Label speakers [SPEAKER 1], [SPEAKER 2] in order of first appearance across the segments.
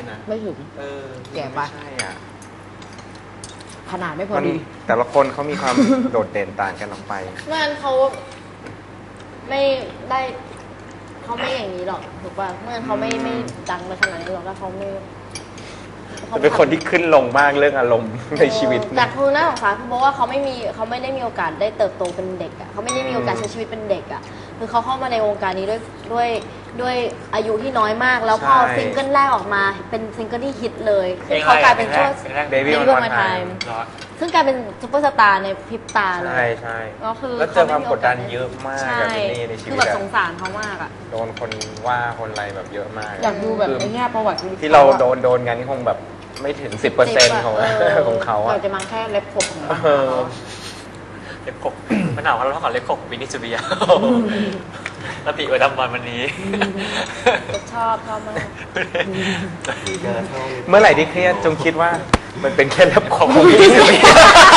[SPEAKER 1] นะ
[SPEAKER 2] ไม่ถึงแก่ไป
[SPEAKER 1] ใช่อ่ะ
[SPEAKER 2] ขนาดไม่พอดี
[SPEAKER 1] แต่ละคนเขามีความ โดดเด่นต่างกันออกไป
[SPEAKER 3] เมื่อนั้นเขาไม่ได้เขาไม่อย่างนี้หรอกถูกป่ะเมื่อนั้นเขาไม่ดังไปขนาดนี้หรอกถ้าเขาไม่
[SPEAKER 1] เป็นคนที่ขึ้นลงมากเรื่องอารมณ์ในชีวิต
[SPEAKER 3] แต่คือน่าสงสารเพราะว่าเขาไม่ได้มีโอกาสได้เติบโตเป็นเด็กอ่ะเขาไม่ได้มีโอกาสใช้ชีวิตเป็นเด็กอ่ะคือเขาเข้ามาในวงการนี้ด้วยอายุที่น้อยมากแล้วพอซิงเกิลแรกออกมาเป็นซิงเกิลที่ฮิตเลยคือเขากลายเป็นช่วง
[SPEAKER 1] Baby
[SPEAKER 3] Baby
[SPEAKER 1] One
[SPEAKER 3] One
[SPEAKER 1] More
[SPEAKER 3] Time
[SPEAKER 1] Time
[SPEAKER 3] ซึ่งกลายเป็นซุปเปอร์สตาร์ในพริบตาเลย
[SPEAKER 1] ใช่
[SPEAKER 3] แล้วคือ
[SPEAKER 1] แล้วเจอความกดดันเยอะมากกับนี่ในชีวิต
[SPEAKER 3] คือแบบสงสารเขามากอ่ะ
[SPEAKER 1] โดนคนว่าคนอะไรแบบเยอะมาก
[SPEAKER 2] อยากดูแบบไอ้แง่ประวัติ
[SPEAKER 1] ที่เราโดนกันคงแบบไม่ถึง 10% ของเขาอะ
[SPEAKER 2] เราจะมาแค่เล็บผมของเขา
[SPEAKER 4] เล็บขบมันหนาวเราเท่ากับเล็บขบวินิจเบียแล้วปีดำวันนี้
[SPEAKER 3] ชอบมาก
[SPEAKER 1] เมื่อไหร่ที่เครียดจงคิดว่ามันเป็นแค่เล็บขบของวินิจเบีย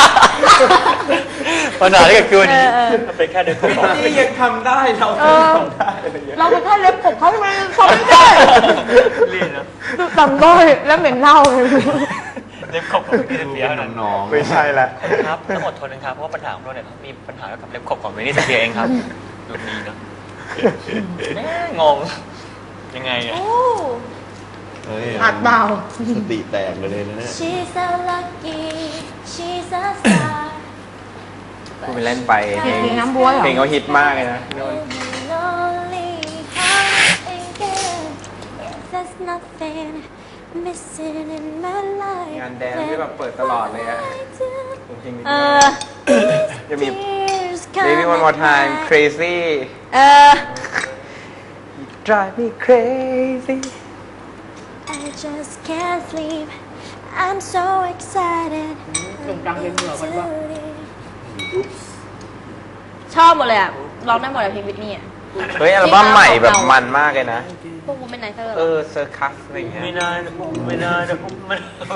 [SPEAKER 4] ปัญหาที่เกิดขึ้นมันเป็นแค่เล็บขบ
[SPEAKER 1] นี่ยังทำได้เราทำได้
[SPEAKER 2] เราเป็นแค่เล็บผมเขาทำไมทำไม่ได้
[SPEAKER 4] ลีนนะ
[SPEAKER 2] ต่ำด้อยแล้วเหม็นเน่าเลย
[SPEAKER 4] เล็บขบของวินิจเบีย
[SPEAKER 1] น้องไม่ใช่ละ
[SPEAKER 4] ครับต้องอดทนนะครับเพราะว่าปัญหาของเราเนี่ยมีปัญหากับเล็บขบของวินิจเบียเองครับดูดีเนาะงงยังไงเนี่ย
[SPEAKER 2] หัดเบา
[SPEAKER 5] สติแตกเลยนะเนี่ย
[SPEAKER 3] She's so lucky She's a star
[SPEAKER 1] พูดไปเล่นไปเพลง
[SPEAKER 2] น้ำบัวเหรอ
[SPEAKER 1] เพลงเขาฮิตมากเลยนะงานแดนที่แบบเปิดตลอดเลยอะเพลงนี้จะมี Baby One More Time Crazy Drive me crazy
[SPEAKER 3] I just can't sleep I'm so excited
[SPEAKER 2] กลุ่มกลางเป็นเหนือกันปะ
[SPEAKER 3] ชอบหมดเลยอ่ะร้องได้หมดเลยเพลงวิทนี่อ่ะ
[SPEAKER 1] เฮ้ยอัลบั้มใหม่แบบมันมากเลยนะ
[SPEAKER 3] พวกกูเป็นไนเตอร์
[SPEAKER 1] เซอร์คัสอะไรอย่างเงี้ย
[SPEAKER 4] ไม่น่ามัน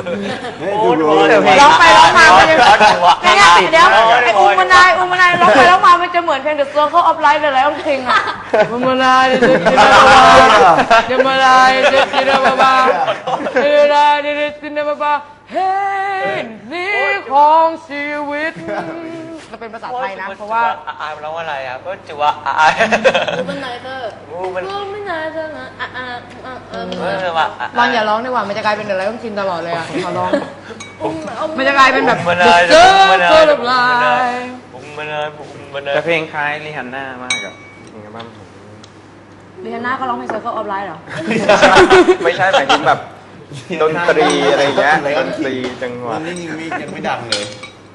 [SPEAKER 2] ร้องไปร้องมามันจะเดี๋ยวไอ้อุ้มมานายร้องไปร้องมามันจะเหมือนเพลง The Circle of Life เลยแล้วเพลงอ่ะอุ้มมานายเดี๋ยวมานายเดี๋ยวบ้าเดี๋ยวบ้าเฮ้ยนี่ของชีวิตจะเป็นภาษาไทยนะเพราะว่า
[SPEAKER 4] อาร้องอะไรอ่ะก็จะว่าอา
[SPEAKER 3] อูเป็นไนเตอร์อูเป็นไนเตอร์นะ
[SPEAKER 2] ลองอย่าร้องดีกว่ามันจะกลายเป็นอะไรต้องกินตลอดเลยอ่ะขอร้องมันจะกลายเป็นแบบเจอแบบลาย
[SPEAKER 1] แต่เพลงคล้ายริฮันน่ามากกับเพลงอัลบั้ม
[SPEAKER 2] ริฮันน่าก็ร้องเพลง Circle of Life เหรอ
[SPEAKER 1] ไม่ใช่หมายถึงแบบดนตรีอะไรเงี้ยดนตรีจังหวะ
[SPEAKER 5] นี่ยังไม่ดังเลย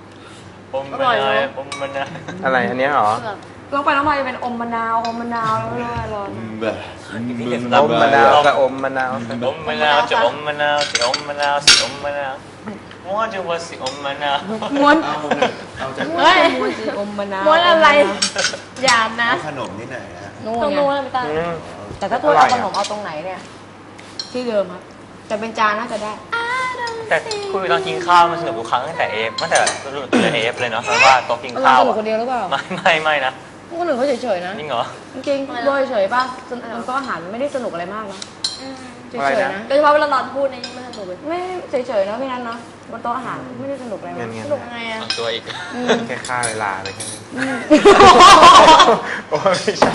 [SPEAKER 1] อะไรอันนี้หรอ
[SPEAKER 2] ลงไปแล้วมาจะเป็นอมมะนาวแล้วไม่ได้รอ
[SPEAKER 1] อมมะนาวกับอมมะนาว
[SPEAKER 4] จะอมมะนาวสิอมมะนาวสิอมมะนาวม้วนจะว่าสิอมมะนาว
[SPEAKER 2] ม้วนเฮ้ยอมมะนาว
[SPEAKER 3] ม้วนอะไรอย่านะ
[SPEAKER 5] ขนมที่ไหนฮะ
[SPEAKER 3] ตรงนู้นไม่ต้อง
[SPEAKER 2] แต่ถ้าถ้วยเอาขนมเอาตรงไหนเนี่ยที่เดิมครับแต่เป็นจานน่าจะได้
[SPEAKER 4] แต่คุยตอนกินข้าวมันสนุกทุกครั้งตั้งแต่รุ่นเอฟเลยเนาะเพราะว่าโต๊ะกินข้าว
[SPEAKER 2] สนุกคนเดียวหรือเปล่า
[SPEAKER 4] ไม่นะ
[SPEAKER 2] คนอื่นเขาเฉยๆนะ
[SPEAKER 4] จริงเหรอ
[SPEAKER 2] จริงๆโดยเฉยป่ะมันก็อาหารไม่ได้สนุกอะไรมากนะเฉยๆนะ
[SPEAKER 3] โดยเฉพาะเวลานอนพูดในนี้ไม่สนุกเลย
[SPEAKER 2] ไม่เฉยๆนะพี่นันเนาะบนโต๊ะอาหารไม่ได้สนุกอะไรมาก
[SPEAKER 3] สนุกไงอ่ะ
[SPEAKER 4] ตัวอีก
[SPEAKER 1] แค่ค่าเวลาอะไรแค่นี้
[SPEAKER 4] โอ้ไม่ใช่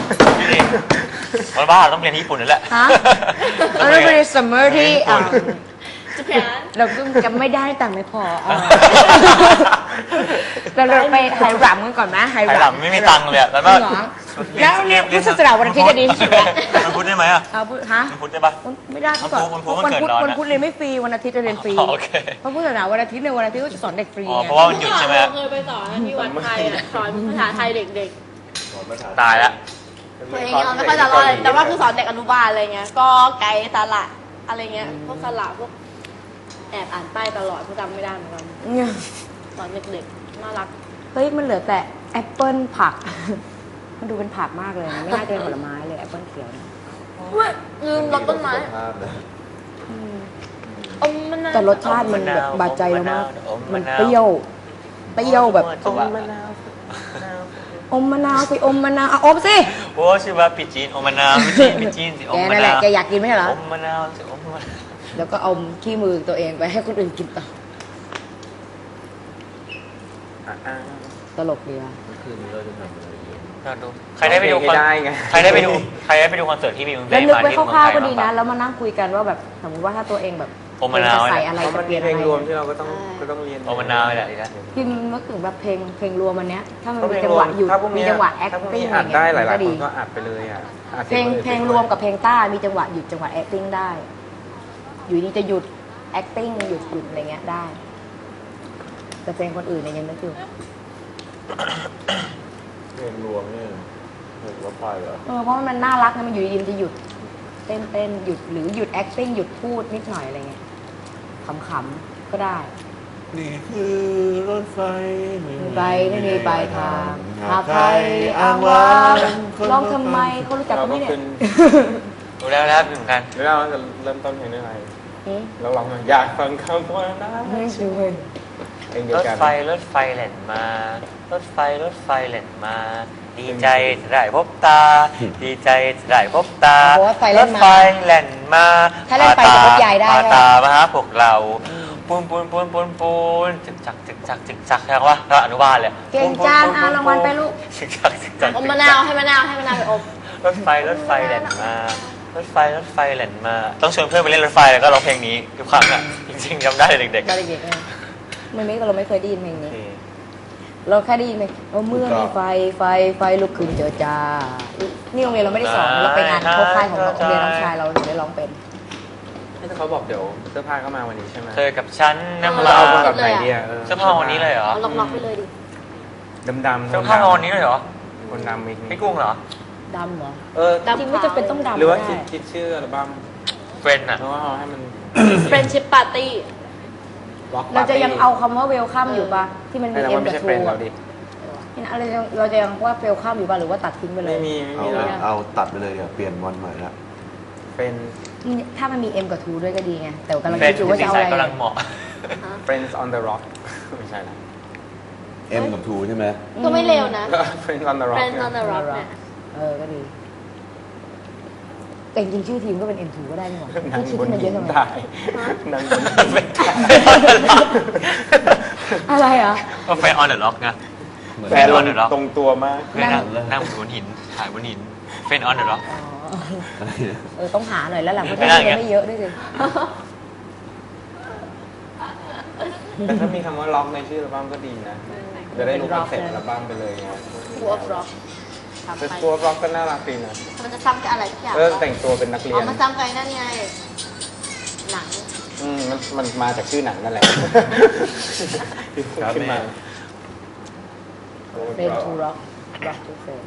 [SPEAKER 4] วันบ้าต้องเรียนที่ญี่ปุ่นนั่นแหละ
[SPEAKER 2] ฮะเราไปเรียนซัมเมอร์ที่เราก็จำไม่ได้แต่ไม่พอเราไปไฮรัมกันก่อนนะ
[SPEAKER 4] ไฮรัมไม่มีตังค์เลยแล้ว
[SPEAKER 2] แล้วเนี่ยพุทธศาสนาวันอาทิตย์จะดีที่สุดแล้ว
[SPEAKER 4] มันพุทธได้ไหมอ่ะ
[SPEAKER 2] ฮะ
[SPEAKER 4] มันพุทธได้ปะ
[SPEAKER 2] ไม่ได้ก่อนวันพุธเรียนไม่ฟรีวันอาทิตย์จะเรียนฟรีเพราะพุทธศาสนาวันอาทิตย์ในวันอาทิตย์ก็จะสอนเด็กฟรี
[SPEAKER 4] เพราะว่ามันหยุดใช่ไหม
[SPEAKER 3] เคยไปสอนที่วัดไทยสอนภาษาไทยเด็ก
[SPEAKER 4] ๆตายแล้ว
[SPEAKER 3] ตัวเองยังไม่ค่อยจะรอดแต่ว่าคือสอนเด็กอนุบาลอะไรเงี้ยก็ไกด์สระอะไรเงี้ยพวกสระพวกแอบอ่านป้ายตลอดเพราะจำไม่ได้เหมือนกันตอนเด็กๆน่ารัก
[SPEAKER 2] เฮ้ยมันเหลือแต่แอปเปิ้ลผักมันดูเป็นผักมากเลยไม่น่าจะเป็นผลไม้เลยแอปเปิ้ลเขียว
[SPEAKER 3] ลืมรสต้นไม้
[SPEAKER 2] แต่รสชาติมันแบบบาดใจเรามากมันเปรี้ยวแบบอมมะนาวสิอมมะนาวอมสิ
[SPEAKER 4] โอ้ชื่อว่าปิจีนอมมะนาวปิจีนสิอมมะนาว
[SPEAKER 2] แกนั่นแหละแกอยากกินไหมเหรอ
[SPEAKER 4] อมมะนาวสิอมมะนาว
[SPEAKER 2] แล้วก็เอาขี้มือตัวเองไปให้คนอื่นกินต่อ
[SPEAKER 1] อ่า
[SPEAKER 2] ตลกดีว่ะ
[SPEAKER 4] อยากดูใครได้ไปดู
[SPEAKER 1] ไม่ได้ไง
[SPEAKER 4] ใครได้ไปดูคอนเสิร์ตที่มีมึง
[SPEAKER 2] แล้ว
[SPEAKER 4] ได้
[SPEAKER 2] นึก
[SPEAKER 4] มา
[SPEAKER 2] ไว้
[SPEAKER 4] ที่
[SPEAKER 2] คร่าวๆก็
[SPEAKER 4] เมื
[SPEAKER 2] ดี
[SPEAKER 4] องไท
[SPEAKER 2] นะ
[SPEAKER 4] ย
[SPEAKER 2] แล้วมานั่งคุยกันว่าแบบสมมติว่าถ้าตัวเองแบบ
[SPEAKER 4] โอมะนาว
[SPEAKER 2] จะใส่อะไร
[SPEAKER 1] เพราะ
[SPEAKER 2] จะ
[SPEAKER 1] มัน
[SPEAKER 2] เปลี่
[SPEAKER 1] มี
[SPEAKER 2] ยน
[SPEAKER 1] เพ
[SPEAKER 2] อะไร
[SPEAKER 1] ลงรวมที่เราก็ต้องเรียน
[SPEAKER 4] โอมะนาวนี่แหละดีนะ
[SPEAKER 2] พิมนึกถึงแบบเพลงรวมอันเนี้ยถ้ามัน
[SPEAKER 1] ก็
[SPEAKER 2] มี
[SPEAKER 1] เพลง
[SPEAKER 2] จัง
[SPEAKER 1] ร
[SPEAKER 2] ห
[SPEAKER 1] ว
[SPEAKER 2] วะ
[SPEAKER 1] ม
[SPEAKER 2] หยุด
[SPEAKER 1] ถ้าพวก
[SPEAKER 2] มี
[SPEAKER 1] นี้
[SPEAKER 2] จังหวะ
[SPEAKER 1] ถ้าพวก
[SPEAKER 2] acting
[SPEAKER 1] นี้
[SPEAKER 2] อะไร
[SPEAKER 1] อัดได้หลาย
[SPEAKER 2] ก็
[SPEAKER 1] ๆ
[SPEAKER 2] ดี
[SPEAKER 1] คนก็อัดไปเลยอ่ะอัด
[SPEAKER 2] เพลง
[SPEAKER 1] สีย
[SPEAKER 2] เพลงรวมกับเพลงต้ามีจังหวะหยุดจังหวะ acting ได้ อยู่ดีจะหยุด acting หยุดอะไรเงี้ยได้ แต่เพลงคนอื่นเนี่ยยังนึกอยู่
[SPEAKER 5] เพลงรวมเนี่ยเห็นว่าไปเหรอ
[SPEAKER 2] เพราะมันน่ารักนะมันอยู่ดีๆมันจะหยุดเต้นหยุดหรือหยุด acting หยุดพูดนิดหน่อยอะไรเงี้ยขำๆก็ได้
[SPEAKER 5] นี่คือรถไฟ
[SPEAKER 2] มีไปไม่มีปลายทางหากใครอ้างว้างร้องทำไมเขารู้จักกันไหมเนี่ย
[SPEAKER 4] ดูแล้วนะครับเหมือนกัน
[SPEAKER 1] แล้วเราจะเริ่มต้นเพลงด้วยอะไร
[SPEAKER 2] อืม
[SPEAKER 1] เราลองมาอยากฟังคำว่านะ
[SPEAKER 2] ไม่ช่วย
[SPEAKER 1] เพลงเดีย
[SPEAKER 4] ร
[SPEAKER 1] ว
[SPEAKER 4] ถ
[SPEAKER 1] กัน
[SPEAKER 4] ไฟแล่นมา รถไฟแล่นมา ดีใจจะได้พบตา ดีใจจะได้พบตา
[SPEAKER 2] โอ้ยไฟแล่นมา
[SPEAKER 4] รถไฟแล่นมา
[SPEAKER 2] ถ้าเล่นไฟจะพบยายได้
[SPEAKER 4] พา
[SPEAKER 2] ไหม
[SPEAKER 4] ตามาหาพวกเราปูนจึกจักใช่ปะแล้วอนุบาลเลย
[SPEAKER 2] เก่งจังเอารางวัลไปลูก
[SPEAKER 4] จึกจัก
[SPEAKER 3] อมมะนาวให้มะนาวไปอม
[SPEAKER 4] รถไฟแล่นมา รถไฟแล่นมา ต้องชวนเพื่อนไปเล่นรถไฟแล้วก็ร้องเพลงนี้ทุกครั้งอ่ะจริงๆจำได้เด็ก
[SPEAKER 2] ตอนเด็กๆเนี่ยเราไม่เคยได้ยินเพลง
[SPEAKER 4] ๆ
[SPEAKER 2] นี้ เราแค่ได้ยินเพลงเมื่อมีไฟลุกขึ้นเจอจ้านี่โรงเรียนเราไม่ได้สอนเราไปงานโคค่ายของโรงเรียนน้องชายเราถึงได้ร้องเป็น
[SPEAKER 1] ที่เขาบอกเดี๋ยวเสื้อผ้าก็มาวันนี้ใช่ไหม
[SPEAKER 4] เธอกับฉันน้ำ
[SPEAKER 1] เรา
[SPEAKER 4] ลา
[SPEAKER 1] เอามากับไหนดีอ่ะ
[SPEAKER 4] เสื้อผ้าวันนี้เลยเหรอ
[SPEAKER 3] เอาล็อกๆไปเลยดิ
[SPEAKER 1] ดำๆ
[SPEAKER 4] เสื้อผ้าวันนี้เลยเหรอ
[SPEAKER 1] คนดำอีก
[SPEAKER 4] พี่กุ้งเหรอ
[SPEAKER 2] ดำเหรอ
[SPEAKER 3] ดำ
[SPEAKER 2] จริงไม่จำเป็นต้องดำ
[SPEAKER 1] หรือว่า
[SPEAKER 2] ก็ได้
[SPEAKER 1] คิดชื่ออัลบั้ม
[SPEAKER 4] เฟรนด์อ่ะ
[SPEAKER 1] เพราะว่าเอาให้มัน
[SPEAKER 3] Friendship Party
[SPEAKER 1] ล็อก
[SPEAKER 2] เราจะยังเอาคำว่าเวลคัมอยู่ปะที่มันมี
[SPEAKER 1] แต่
[SPEAKER 2] เอ็
[SPEAKER 1] ว่าม ไม่
[SPEAKER 2] กับ
[SPEAKER 1] ใช่
[SPEAKER 2] ทู
[SPEAKER 1] เฟรนด์
[SPEAKER 2] อะ
[SPEAKER 1] เราดิ
[SPEAKER 2] เราจะยังว่าเวลคัมอยู่ปะหรือว่าตัดทิ้งไปเล
[SPEAKER 1] ไม่
[SPEAKER 2] ย
[SPEAKER 1] มี
[SPEAKER 5] เอาตัดไปเลยอ่ะเปลี่ยนวันใหม่ละ
[SPEAKER 1] เฟรน
[SPEAKER 2] ถ้ามันมีเอ็มกับทูด้วยก็ดีไงแต่กำลัง
[SPEAKER 4] เฟรน
[SPEAKER 2] คิด
[SPEAKER 4] ด์
[SPEAKER 2] อยู่ว่า
[SPEAKER 4] สี
[SPEAKER 2] จะเอา
[SPEAKER 4] ใส
[SPEAKER 2] อะไร
[SPEAKER 4] กำลังเหมาะ
[SPEAKER 1] Friends on the Rock ไม่ใช่นะ
[SPEAKER 5] เอ็มกับทูใช่ไหม
[SPEAKER 3] ก็ไม่เร็วนะ
[SPEAKER 1] ก็ Friends on the Rock
[SPEAKER 3] Friends on the Rock เนี่ย
[SPEAKER 2] ก็ดีแต่จริงๆชื่อทีมก็เป็น M2 ก็ได้นี่หว่า
[SPEAKER 1] นั่ง
[SPEAKER 2] คิด
[SPEAKER 1] บน
[SPEAKER 2] ที่มันเย
[SPEAKER 1] หิ
[SPEAKER 2] อะ
[SPEAKER 1] น
[SPEAKER 2] ทำไม
[SPEAKER 1] ได้นั่งบนหินได้
[SPEAKER 2] อะไรอ่ะ
[SPEAKER 4] ก็เฟรนด์ออนเดอะล็อกไง
[SPEAKER 1] แฟนลงตรงตัวมาก
[SPEAKER 4] นั่งบนหินถ่ายบนหินเฟรนด์ออนเดอะล็อก
[SPEAKER 2] ต้องหาหน่อยแล้วหลังเพราะ
[SPEAKER 4] ไม่
[SPEAKER 2] ที่
[SPEAKER 4] ได้
[SPEAKER 2] มันไม่เยอะด้วยสิ
[SPEAKER 1] แต่ถ้ามีคำว่าล็อกในชื่ออัลบั้มก็ดีนะ จะได้รู้คอนเซ็ปต์อัลบั้มไปเลยไง
[SPEAKER 3] School of Rock
[SPEAKER 1] แต่ตัวล็อกก็น่ารักดีนะ
[SPEAKER 3] มันจะซ้ำกับอะไรทุกอย่าง
[SPEAKER 1] แต่งตัวเป็นนักเรีย
[SPEAKER 3] เอา
[SPEAKER 1] น
[SPEAKER 3] มาซ้ำกับนั่นไง หนัง
[SPEAKER 1] มันมาจากชื่อหนังนั่นแหละขึ้นมา
[SPEAKER 2] เฟรนทูร็อกร็อกทูเฟรน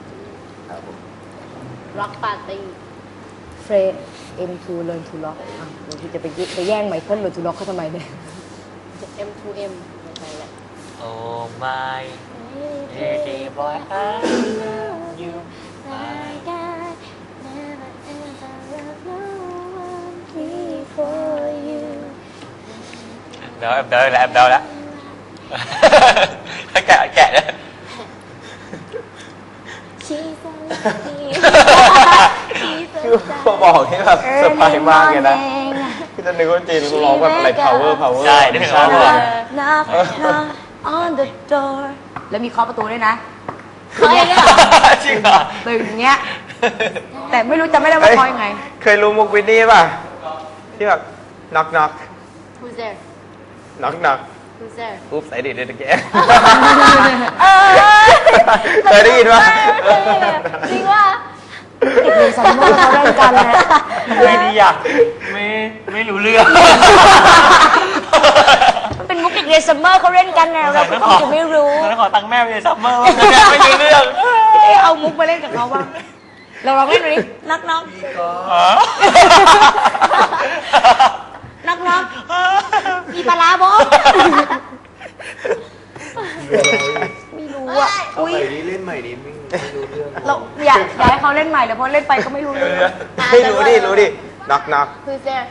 [SPEAKER 3] Rock Party
[SPEAKER 2] เฟรน M2 Learn to Rock อ่ะเดี๋ยวจะไปแย่งไมเคิล Learn to Rockเขาทำไมเนี่ย
[SPEAKER 3] M2M ไม่ใช่แหละ
[SPEAKER 4] โอ้ my pretty boy I love you
[SPEAKER 3] before you
[SPEAKER 4] เดี๋ยวแอบเดาแล้วแกะเลย
[SPEAKER 3] She's so lucky
[SPEAKER 1] คือพอบอกนี่แบบเซอร์ไพรส์มากเลยนะพี่จะนึกว่าจีนเขาร้องแบบอะไร power
[SPEAKER 4] ใช่นึกถึงว่า
[SPEAKER 2] knock knock on the door แล้วมีเคาะประตูด้วยนะ
[SPEAKER 3] เคยเนี่ย
[SPEAKER 4] จริงเหรอ
[SPEAKER 2] ตึงอย่างเงี้ย แต่ไม่รู้จำไม่ได้ว่าเคาะยังไง
[SPEAKER 1] เคยรู้มุกวินนี่ป่ะ ที่แบบ knock knock
[SPEAKER 3] Who's there
[SPEAKER 1] knock knock
[SPEAKER 3] Who's there
[SPEAKER 1] oops I did it again เคยได้ยินป่ะ
[SPEAKER 3] จริงว่า
[SPEAKER 2] เด็กเรียนซัมเมอร์เขาเล่นกันนะ
[SPEAKER 4] ไม่ดีอ่ะไม่รู้เรื่อง
[SPEAKER 2] มันเป็นมุกเด็กเรียนซัมเมอร์เขาเล่นกันไงเราก็คงจะไม่รู้
[SPEAKER 4] แล้วขอตังค์แม่ไปซัมเมอร์ไม่รู้เรื่อง
[SPEAKER 2] เอามุกมาเล่นกับเขาบ้างเราลองเล่นดูดินักน็อกนักน็อกมีปลาร้าบอไม่รู้อ่ะ
[SPEAKER 5] เอา
[SPEAKER 2] อุ้ย
[SPEAKER 5] ใหม่นี้เล่นใหม่นี้ไม่รู้เรื่อง
[SPEAKER 2] เราอยากให้เขาเล่นใหม่แต่พอเล่นไปก็ไม่รู้เรื่อง
[SPEAKER 1] ไม่รู้ดิ knock knock
[SPEAKER 3] Who's there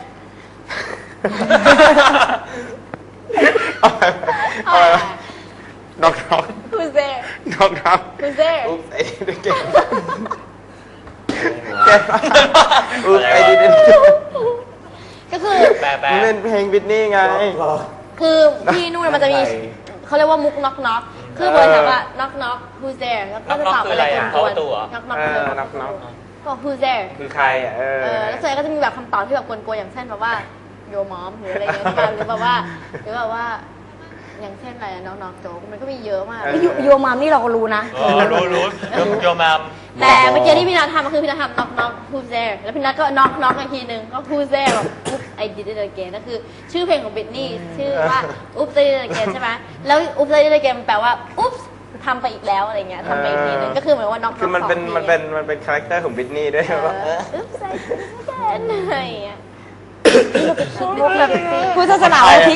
[SPEAKER 1] เอาไป knock knock
[SPEAKER 3] Who's there
[SPEAKER 1] knock knock
[SPEAKER 3] Who's there
[SPEAKER 1] oops I did it again oops I did it again
[SPEAKER 3] ก็คือ
[SPEAKER 4] แปล
[SPEAKER 1] มันเป็นเพลงบิทนี่ไง
[SPEAKER 3] คือที่นู่นมันจะมีเขาเรียกว่ามุกน็อกน็อกคือเบอร์ถามว่าน็อกน็อก who's there แล้วก็จะตอบอะไรกวนๆน็อกน็อก
[SPEAKER 1] น็อกน็อก
[SPEAKER 3] ก็ who's there
[SPEAKER 1] คือใครอ่ะ
[SPEAKER 3] แล้วส่วนใหญ่ก็จะมีแบบคำตอบที่แบบกวนๆอย่างเช่นแบบว่า your mom หรืออะไรเงี้ยหรือแบบว่าอย่างเช่นอะไรน็อกน็อกโจ๊กมันก็มีเยอะมากโยมามนี่เราก็รู้นะ
[SPEAKER 4] รู้โยมาม
[SPEAKER 3] แต่เมื่อกี้ที่พี่นัททำก็คือพี่นัททำ knock knock who's there แล้วพี่นัทก็ knock knock อีกทีหนึ่งก็ who's there แบบ oops I did it again นั่นคือชื่อเพลงของบิทนี่ชื่อว่า oops I did it again ใช่ไหมแล้ว oops I did it again แปลว่า oops ทำไปอีกแล้วอะไรเงี้ยทำไปอีกทีหนึ่งก็คือเหมือนว่า knock knock
[SPEAKER 1] คือมันเป็นคาแรคเตอร์ของบิทนี่ด้วยว่า
[SPEAKER 3] oops I did it again อะไรเงี้ย
[SPEAKER 2] มุกแบบพุทธศาสนาวันอาทิตย์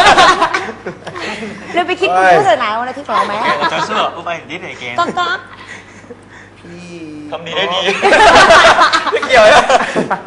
[SPEAKER 2] เราไปคิดพุทธศาสนาวันอาทิตย์ของเราไหม
[SPEAKER 4] จะเชื่ออุบายนิดหน่อยเกม
[SPEAKER 2] ก็
[SPEAKER 4] ทำดีได้ดี
[SPEAKER 1] ไม่เกี่ยวนะ